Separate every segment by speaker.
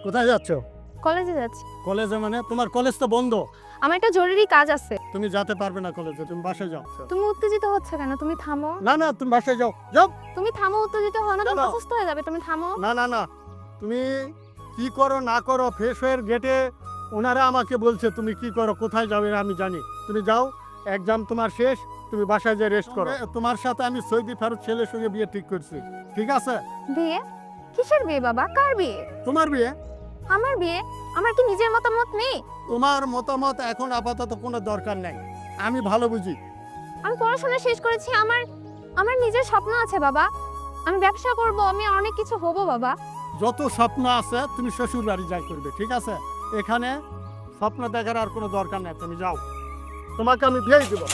Speaker 1: কোথায় যাচ্ছ?
Speaker 2: কলেজে যাচ্ছি।
Speaker 1: কলেজে মানে? তোমার কলেজ তো বন্ধ।
Speaker 2: আমার একটা জরুরি কাজ আছে।
Speaker 1: তুমি যেতে পারবে না কলেজে, তুমি বাসায় যাও।
Speaker 2: তুমি উত্তেজিত হচ্ছ কেন? তুমি থামো।
Speaker 1: না না, তুমি বাসায় যাও, যাও।
Speaker 2: তুমি থামো, উত্তেজিত হও না, তুমি
Speaker 1: চলো।
Speaker 2: অসুস্থ হয়ে যাবে, তুমি থামো।
Speaker 1: না না না, তুমি কি করো না করো, ফ্রেশ হয়ে গেটে ওনারা আমাকে বলছে তুমি কি করো, কোথায় যাবে আমি জানি। তুমি যাও, এক্সাম তোমার শেষ, তুমি বাসায় যেয়ে রেস্ট করো। তোমার সাথে আমি সৌদি ফেরত ছেলের সঙ্গে বিয়ে ঠিক করছি, ঠিক আছে?
Speaker 2: বিয়ে? কিসের বিয়ে বাবা? কার বিয়ে?
Speaker 1: তোমার বিয়ে।
Speaker 2: আমার বিয়ে? আমার কি নিজের মতামত নেই?
Speaker 1: তোমার মতামত এখন আপাতত কোনো দরকার নাই, আমি ভালো বুঝি।
Speaker 2: আমি পড়াশোনা শেষ করেছি, আমার আমার নিজের স্বপ্ন আছে বাবা। আমি ব্যবসা করব, আমি অনেক কিছু হব বাবা।
Speaker 1: যত স্বপ্ন আছে তুমি শ্বশুর বাড়ি যাই করবে, ঠিক আছে? এখানে স্বপ্ন দেখার আর কোনো দরকার নেই, তুমি যাও, তোমাকে আমি বিয়ে দেব।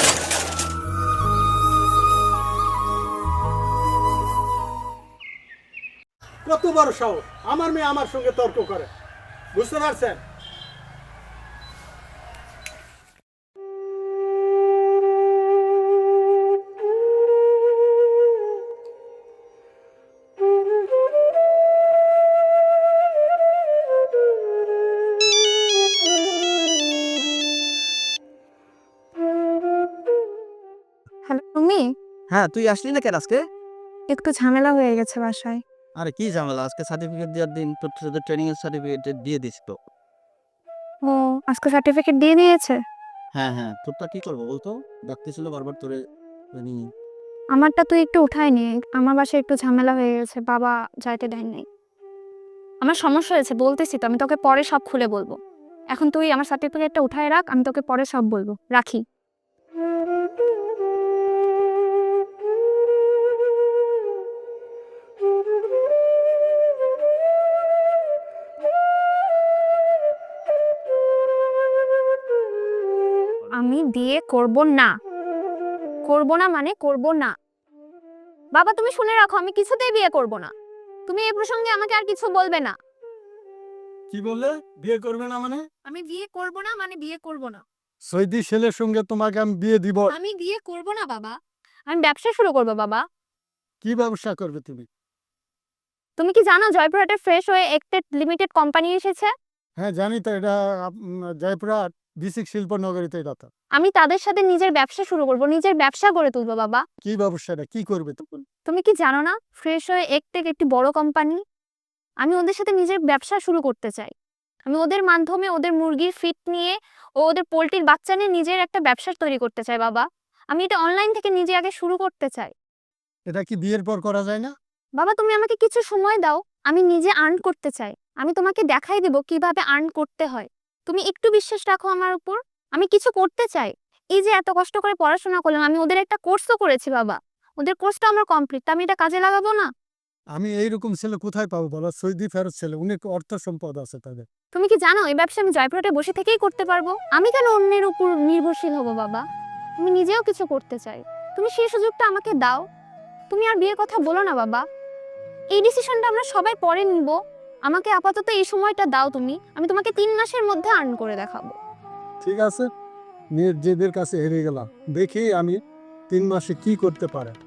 Speaker 1: কত বড় সাহস, আমার মেয়ে আমার সঙ্গে তর্ক করে, বুঝতে পারছেন?
Speaker 2: হ্যালো তুমি?
Speaker 3: হ্যাঁ, তুই আসলি না কেন আজকে?
Speaker 2: একটু ঝামেলা হয়ে গেছে বাসায়।
Speaker 3: আরে কি ঝামেলা, আজকে সার্টিফিকেট দেওয়ার দিন, তোর সাথে ট্রেনিং এর সার্টিফিকেট দিয়ে দিস তো।
Speaker 2: ও, আজকে সার্টিফিকেট দিয়ে দিয়েছে?
Speaker 3: হ্যাঁ হ্যাঁ, তোরটা কি করবো বলতো? ডাকতেছিল বারবার তোরে ট্রেনিং।
Speaker 2: আমারটা তুই একটু উঠাই নে, আমার বাসায় একটু ঝামেলা হয়ে গেছে, বাবা যাইতে দেয় নাই। আমার সমস্যা হয়েছে বলতেছি তো, আমি তোকে পরে সব খুলে বলবো। এখন তুই আমার সার্টিফিকেটটা উঠায় রাখ, আমি তোকে পরে সব বলবো, রাখি। আমি বিয়ে করব না। করব না মানে করব না। বাবা তুমি শুনে রাখো, আমি কিছুতেই বিয়ে করব না। তুমি এই প্রসঙ্গে আমাকে আর কিছু বলবে না।
Speaker 1: কি বললে? বিয়ে করবে না মানে?
Speaker 2: আমি বিয়ে করব না মানে বিয়ে করব না।
Speaker 1: সৌদি ছেলের সঙ্গে তোমাকে আমি বিয়ে দিব।
Speaker 2: আমি বিয়ে করব না বাবা। আমি ব্যবসা শুরু করব বাবা।
Speaker 1: কি ব্যবসা করবে তুমি?
Speaker 2: তুমি কি জানো জয়পুরহাটে ফ্রেশ হয়ে এক্টেড লিমিটেড কোম্পানি এসেছে?
Speaker 1: হ্যাঁ জানি তো, এটা জয়পুরহাট বিসিক শিল্পনগরীতে, এটা তো।
Speaker 2: আমি তাদের সাথে নিজের ব্যবসা শুরু করব, নিজের ব্যবসা গড়ে তুলবো বাবা।
Speaker 1: কি ব্যবসাটা কি করবে তখন?
Speaker 2: তুমি কি জানো না ফ্রেশ হয়ে এক্টেক একটি বড় কোম্পানি? আমি ওদের সাথে নিজের ব্যবসা শুরু করতে চাই। আমি ওদের মাধ্যমে ওদের মুরগির ফিট নিয়ে ও ওদের পোল্ট্রির বাচ্চা নিয়ে নিজের একটা ব্যবসা তৈরি করতে চাই বাবা। আমি এটা অনলাইন থেকে নিজে আগে শুরু করতে চাই।
Speaker 1: এটা কি বিয়ের পর করা যায় না?
Speaker 2: বাবা তুমি আমাকে কিছু সময় দাও, আমি নিজে আর্ন করতে চাই। আমি তোমাকে দেখাই দেব কিভাবে আর্ন করতে হয়। তুমি একটু বিশ্বাস রাখো আমার উপর। আমি কিছু করতে চাই। এই যে এত কষ্ট করে পড়াশোনা করলাম, আমি ওদের একটা কোর্সও করেছি বাবা। ওদের কোর্সটা আমার কমপ্লিট, আমি এটা কাজে লাগাবো না?
Speaker 1: আমি এইরকম ছেলে কোথায় পাবো বলো? সৌদি ফেরত ছেলে, অনেক অর্থ সম্পদ আছে তাদের।
Speaker 2: তুমি কি জানো এই ব্যবসা আমি জয়পুরহাটে বসে থেকেই করতে পারবো? আমি কেন অন্যের উপর নির্ভরশীল হব বাবা? আমি নিজেও কিছু করতে চাই। তুমি সেই সুযোগটা আমাকে দাও। তুমি আর বিয়ের কথা বলো না বাবা। এই ডিসিশনটা আমরা সবাই পরে নিব। আমাকে আপাতত এই সময়টা দাও তুমি। আমি তোমাকে 3 মাসের মধ্যে আর্ন করে দেখাবো।
Speaker 1: ঠিক আছে, নিজেদের কাছে হেরে গেলাম, দেখি আমি 3 মাসে কি করতে পারে।